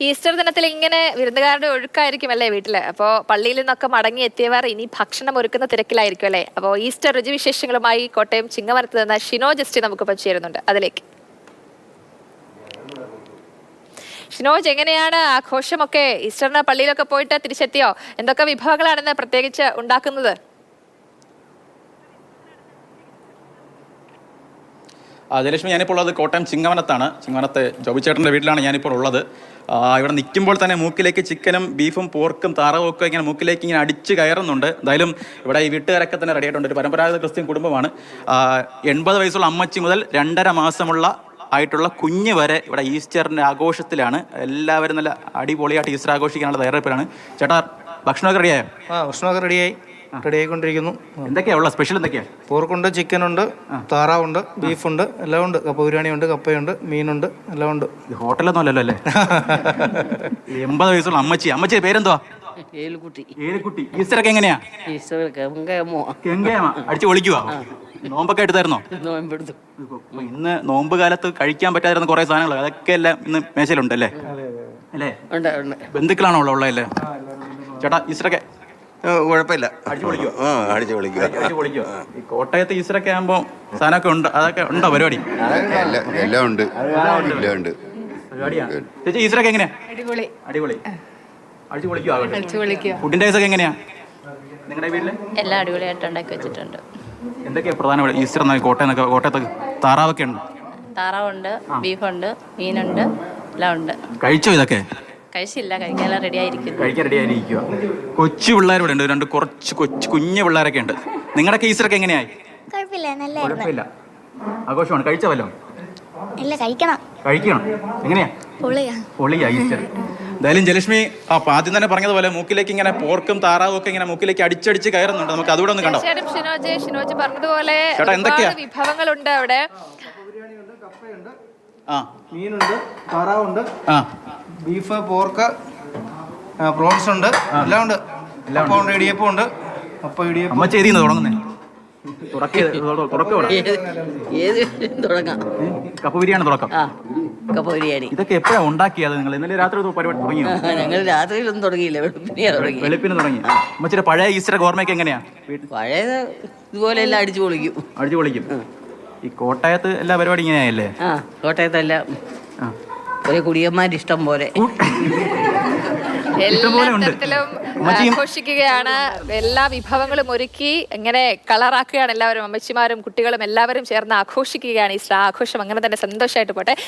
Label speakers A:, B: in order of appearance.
A: Easter ദിനത്തിൽ ഇങ്ങനെ വിരുന്നുകാരുടെ ഒഴുക്കായിരിക്കും അല്ലേ വീട്ടില്. അപ്പോൾ പള്ളിയിൽ നിന്നൊക്കെ മടങ്ങി എത്തിയവർ ഇനി ഭക്ഷണം ഒരുക്കുന്ന തിരക്കിലായിരിക്കും അല്ലേ. അപ്പോൾ ഈസ്റ്റർ രുചിവിശേഷങ്ങളുമായി കോട്ടയം ചിങ്ങവനത്ത് നിന്ന് ഷിനോ ജസ്റ്റി നമുക്കിപ്പം ചേരുന്നുണ്ട്. അതിലേക്ക് ഷിനോജ്, എങ്ങനെയാണ് ആഘോഷമൊക്കെ? ഈസ്റ്ററിന് പള്ളിയിലൊക്കെ പോയിട്ട് തിരിച്ചെത്തിയോ? എന്തൊക്കെ വിഭവങ്ങളാണെന്ന് പ്രത്യേകിച്ച് ഉണ്ടാക്കുന്നത്?
B: ജയലക്ഷ്മി, ഞാനിപ്പോൾ ഉള്ളത് കോട്ടയം ചിങ്ങവനത്താണ്. ചിങ്ങവനത്ത് ജോബിച്ചേട്ടൻ്റെ വീട്ടിലാണ് ഞാനിപ്പോൾ ഉള്ളത്. ഇവിടെ നിൽക്കുമ്പോൾ തന്നെ മൂക്കിലേക്ക് ചിക്കനും ബീഫും പോർക്കും താറാവും ഒക്കെ ഇങ്ങനെ മൂക്കിലേക്ക് ഇങ്ങനെ അടിച്ച് കയറുന്നുണ്ട്. എന്തായാലും ഇവിടെ ഈ വീട്ടുകാരൊക്കെ തന്നെ റെഡി ആയിട്ടുണ്ട്. ഒരു പരമ്പരാഗത ക്രിസ്ത്യൻ കുടുംബമാണ്. 80 വയസ്സുള്ള അമ്മച്ചി മുതൽ 2.5 മാസമുള്ള ആയിട്ടുള്ള കുഞ്ഞ് വരെ ഇവിടെ ഈസ്റ്ററിൻ്റെ ആഘോഷത്തിലാണ്. എല്ലാവരും നല്ല അടിപൊളിയായിട്ട് ഈസ്റ്റർ ആഘോഷിക്കാനുള്ള തയ്യാറെടുപ്പിലാണ്. ചേട്ടാ, ഭക്ഷണമൊക്കെ റെഡിയായോ?
C: ഭക്ഷണമൊക്കെ റെഡി ആയിക്കൊണ്ടിരിക്കുന്നു.
B: എന്തൊക്കെയാ ഉള്ള സ്പെഷ്യൽ? എന്തൊക്കെയാ?
C: പോർക്കുണ്ട്, ചിക്കനുണ്ട്, താറാവുണ്ട്, ബീഫുണ്ട്, എല്ലാം ഉണ്ട്. കപ്പ ബിരിയാണിയുണ്ട്, കപ്പയുണ്ട്, മീനുണ്ട്, എല്ലാം ഉണ്ട്.
B: ഹോട്ടലൊന്നും അല്ലല്ലോ അല്ലേ? 80 വയസ്സുള്ള അമ്മച്ചിയുടെ പേരെന്തുവാ? ഏലിക്കുട്ടി. ഈസ്റ്ററൊക്കെ എങ്ങനെയാ? അടിച്ചു പൊളിക്കുവാ? നോമ്പൊക്കെ എടുത്തായിരുന്നോ? ഇന്ന് നോമ്പ് കാലത്ത് കഴിക്കാൻ പറ്റാതിരുന്ന കുറെ സാധനങ്ങൾ അതൊക്കെ എല്ലാം ഇന്ന് മേശയിലുണ്ട് അല്ലേ? അല്ലേ? ബന്ധുക്കളാണോ ഉള്ളതല്ലേ? ചേട്ടാ, ഈസ്റ്ററൊക്കെ
D: കുഴപ്പമില്ല,
B: അടിച്ചു പൊളിക്കുവോ?
D: അടിച്ചു പൊളിക്കുക.
B: ഈ കോട്ടയത്ത് ഈസ്റ്ററൊക്കെ ആകുമ്പോൾ സാധനമൊക്കെ ഉണ്ട്, അതൊക്കെ ഉണ്ടോ പരിപാടി?
D: എല്ലാം ഉണ്ട്.
B: പരിപാടിയാണ്. ചേച്ചി, ഈസ്റ്ററൊക്കെ എങ്ങനെയാ? അടിപൊളി. അടിച്ചു പൊളിക്കുവോ? ഫുഡിന്റെ കേസൊക്കെ എങ്ങനെയാ നിങ്ങളുടെ വീട്ടില്?
E: എല്ലാം അടിപൊളിയായിട്ട് ഉണ്ടാക്കി വെച്ചിട്ടുണ്ട്.
B: എന്തൊക്കെയാ പ്രധാന ഈസ്റ്റർ? കോട്ടയത്ത് താറാവൊക്കെ ഉണ്ട്.
E: താറാവുണ്ട്, ബീഫുണ്ട്, മീനുണ്ട്, എല്ലാം ഉണ്ട്.
B: കഴിച്ചോ? ഇതൊക്കെ
E: കഴിച്ചില്ല, കഴിക്കാനെല്ലാം റെഡി ആയിരിക്കുന്നു.
B: കഴിക്കാൻ റെഡി ആയിരിക്കുക. കൊച്ചു പിള്ളേരോടെ ഉണ്ട്, 2 കുറച്ച് കുഞ്ഞു പിള്ളേരൊക്കെ ഉണ്ട്. നിങ്ങളുടെയൊക്കെ ഈസ്റ്ററൊക്കെ എങ്ങനെയായി? കുഴപ്പമില്ല, ആഘോഷമാണ്. കഴിച്ചവല്ലോ?
F: ഇല്ല, കഴിക്കണം.
B: എങ്ങനെയാ? പൊളിയാ ഈസ്റ്റർ. എന്തായാലും ജയലക്ഷ്മി ആദ്യം തന്നെ പറഞ്ഞതുപോലെ മൂക്കിലേക്ക് ഇങ്ങനെ പോർക്കും താറാവും ഒക്കെ ഇങ്ങനെ മൂക്കിലേക്ക് അടിച്ചടിച്ച് കയറുന്നുണ്ട്. നമുക്ക് അതുകൂടെ ഒന്ന് കണ്ടോ?
A: ഷിനോജ് പറഞ്ഞതുപോലെ വിഭവങ്ങളുണ്ട് അവിടെ.
C: മീനുണ്ട്, താറാവുണ്ട്, ബീഫ്, പോർക്ക്, പ്രോൺസ് ഉണ്ട്, എല്ലാം ഉണ്ട്. ഇടിയപ്പം ഉണ്ട്.
B: അമ്മ ചെയ്തിന്ന് തുടങ്ങുന്നേ കപ്പ ബിരിയാണി തുടക്കം.
E: കപ്പ ബിരിയാണി
B: ഇതൊക്കെ എപ്പോഴാ ഉണ്ടാക്കിയത് നിങ്ങൾ? ഇന്നലെ രാത്രി പരിപാടി തുടങ്ങിയോ?
E: ഞങ്ങൾ രാത്രിയിലൊന്നും തുടങ്ങിയില്ല,
B: വെളുപ്പിന് തുടങ്ങി. അമ്മച്ചിയുടെ പഴയ ഈസ്റ്റർ ഓർമ്മയൊക്കെ എങ്ങനെയാ?
E: പഴയത് ഇതുപോലെ എല്ലാം അടിച്ചു പൊളിക്കും.
B: ഈ കോട്ടയത്ത് എല്ലാ പരിപാടി ഇങ്ങനെയല്ലേ?
E: കോട്ടയത്തെല്ലാം ഒരു കുടിയന്മാർ ഇഷ്ടം പോലെ
A: എല്ലാ തരത്തിലും ആഘോഷിക്കുകയാണ്. എല്ലാ വിഭവങ്ങളും ഒരുക്കി ഇങ്ങനെ കളറാക്കുകയാണ് എല്ലാവരും. അമ്മച്ചിമാരും കുട്ടികളും എല്ലാവരും ചേർന്ന് ആഘോഷിക്കുകയാണ്. ഈ ആഘോഷം അങ്ങനെ തന്നെ സന്തോഷമായിട്ട് പോട്ടെ.